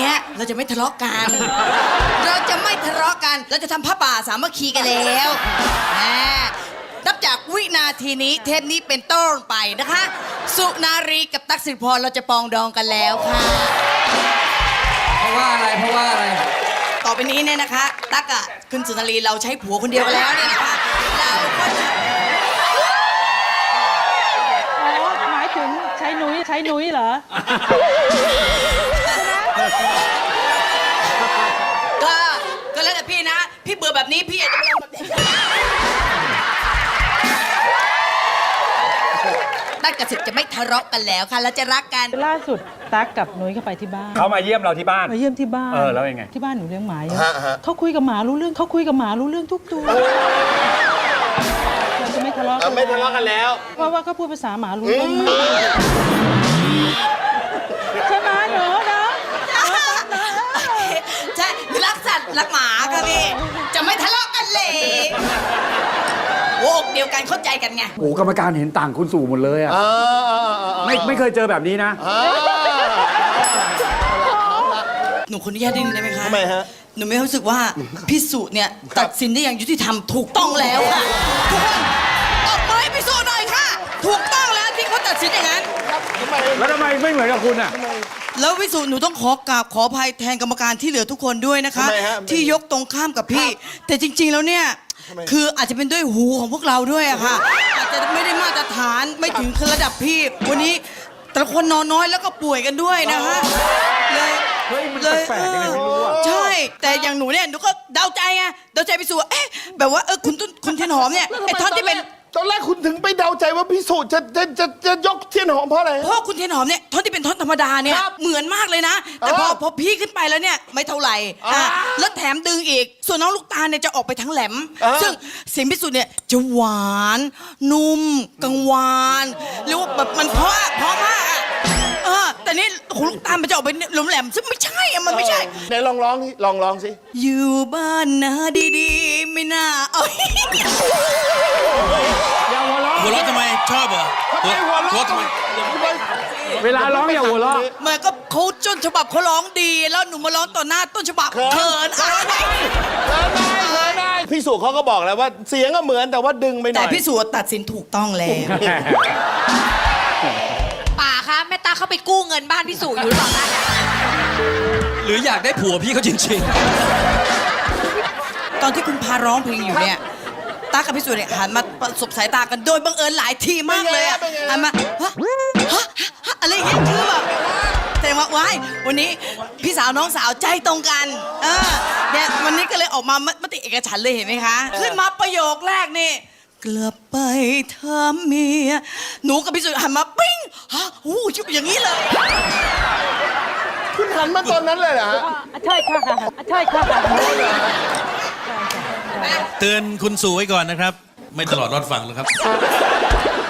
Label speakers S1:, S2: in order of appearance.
S1: นี้ยเราจะไม่ทะเลาะกัน เราจะไม่ทะเลาะกันเราจะทำผ้าป่าสามัคคีกันแล้วนับจากวินาทีนี้เทปนี้เป็นต้นไปนะคะสุนารีกับตั๊กสิริพรเราจะปองดองกันแล้วค่ะ
S2: เพราะว่าอะไร
S1: ต่อไปนี้เนี่ยนะคะตั๊กอะคุณสุนารีเราใช้ผัวคนเดียวกันแล้วเนี่ยนะคะเราก็จะ
S3: หมายถึงใช้นุ้ยเหรอ
S1: ก็แล้วแต่พี่นะพี่เบื่อแบบนี้พี่อยากจะไปลองแบบนี้ตั๊กกับสิทธิ์จะไม่ทะเลาะกันแล้วค่ะแล้วจะรักกัน
S3: ล่าสุดตั๊กกับนุ้ยเข้าไปที่บ้าน
S2: เขามาเยี่ยมเราที่บ้าน
S3: มาเยี่ยมที่บ้าน
S2: แล้วยังไง
S3: ที่บ้านหนูเลี้ยงหมาเขาคุยกับหมารู้เรื่องทุกตัวเราจะไม่ทะเลาะกัน
S4: ไม่ทะเลาะกันแล้ว
S3: เพราะว่าเขาพูดภาษาหมารู้เรื่องมากใช่ไหมหนูนะ
S1: ใช่รักสัตว์รักหมาค่ะพี่จะไม่ทะเลาะกันเลยโอ้เดียวกันเข้าใจกันไง
S2: โอ้กรรมการเห็นต่างคุณสู่หมดเลยอ่ะไม่เคยเจอแบบนี้นะ
S1: หนูคนอนุญาตได้ไหมคะ
S4: ทำไมฮะ
S1: หนูไม่รู้สึกว่าพี่สุเนี่ยตัดสินได้อย่างยุติธรรมถูกต้องแล้วค่ะทุกคนตบมือให้พี่สุหน่อยค่ะถูกต้องแล้วที่เขาตัดสินอย่างนั้น
S2: แล้วทำไมไม่เหมือนกับคุณอ่ะ
S1: แล้วพี่สุหนูต้องขอกราบขออภัยแทนกรรมการที่เหลือทุกคนด้วยนะคะที่ยกตรงข้ามกับพี่แต่จริงๆแล้วเนี่ยคืออาจจะเป็นด้วยหูของพวกเราด้วยอะค่ะอาจจะไม่ได้มาตรฐานไม่ถึงระดับพี่วันนี้แต่ละคนนอนน้อยแล้วก็ป่วยกันด้วยนะฮะเลย
S2: มันแปลกยังไงไม่รู้อ่ะ
S1: ใช่แต่อย่างหนูเนี่ยหนูก็เดาใจไงเดาใจพี่สุเอ๊ะแบบว่าคุณเทียนหอมเนี่ยไอ้ท่อนที่เป็น
S4: ตอนแรกคุณถึงไปเดาใจว่าพี่สุจะยกเทียนหอมเพราะอะไร
S1: เพราะคุณเทียนหอมเนี่ยท่อนที่เป็นท่อนธรรมดาเนี่ยเหมือนมากเลยนะแต่พอพี่ขึ้นไปแล้วเนี่ยไม่เท่าไหร่แล้วแถมดึงอีกส่วนน้องลูกตาลเนี่ยจะออกไปทั้งแหลมซึ่งเสียงพี่สุเนี่ยจะหวานนุ่มกังวานหรือว่าแบบมันเพราะมากแต่นี่ของลูกตาลมันจะออกไปหลมแหลมซึ่งไม่ใช่มันไม่ใช่
S4: ไหนลองร้องสิ
S1: อยู่บ้านนะดีๆไม่น่า
S2: อย่าหัวเราะ
S5: หัวเราะทำไมชอบเหรอหัวทำไม
S2: เวลาร้องอย่าหัวเราะ
S1: มันก็เขาต้นฉบับเขาร้องดีแล้วหนูมาร้องต่อหน้าต้นฉบับเขิน
S4: ได้พี่สุเขาก็บอกแล้วว่าเสียงก็เหมือนแต่ว่าดึงไปหน่อย
S1: แต่พี่สุตัดสินถูกต้องแล้ว
S6: ป่าคะแม่ตาเขาไปกู้เงินบ้านพี่สุอยู่หรือเปล่าคะ
S5: หรืออยากได้ผัวพี่เขาจริง
S1: ๆตอนที่คุณพาร้องเพลงอยู่เนี่ยตากับพี่สุเนี่ยหันมาประสบสายตากันโดยบังเอิญหลายทีมากเลยหันมาอะไรอย่างเงี้ยคือแบบแสดงว่าว้ายวันนี้พี่สาวน้องสาวใจตรงกันเนี่ยวันนี้ก็เลยออกมามติเอกฉันท์เลยเห็นไหมคะขึ้นมาประโยคแรกนี่กลับไปถามเมียหนูกับพี่สุหันมาปิ้งชุบอย่างนี้เลย
S4: คุณหันมาตอนนั้นเลยเหรอ
S3: ใช่ค่ะ
S5: เตือนคุณสู่ไว้ก่อนนะครับไม่ตลอดรอดฟังหรอกครับ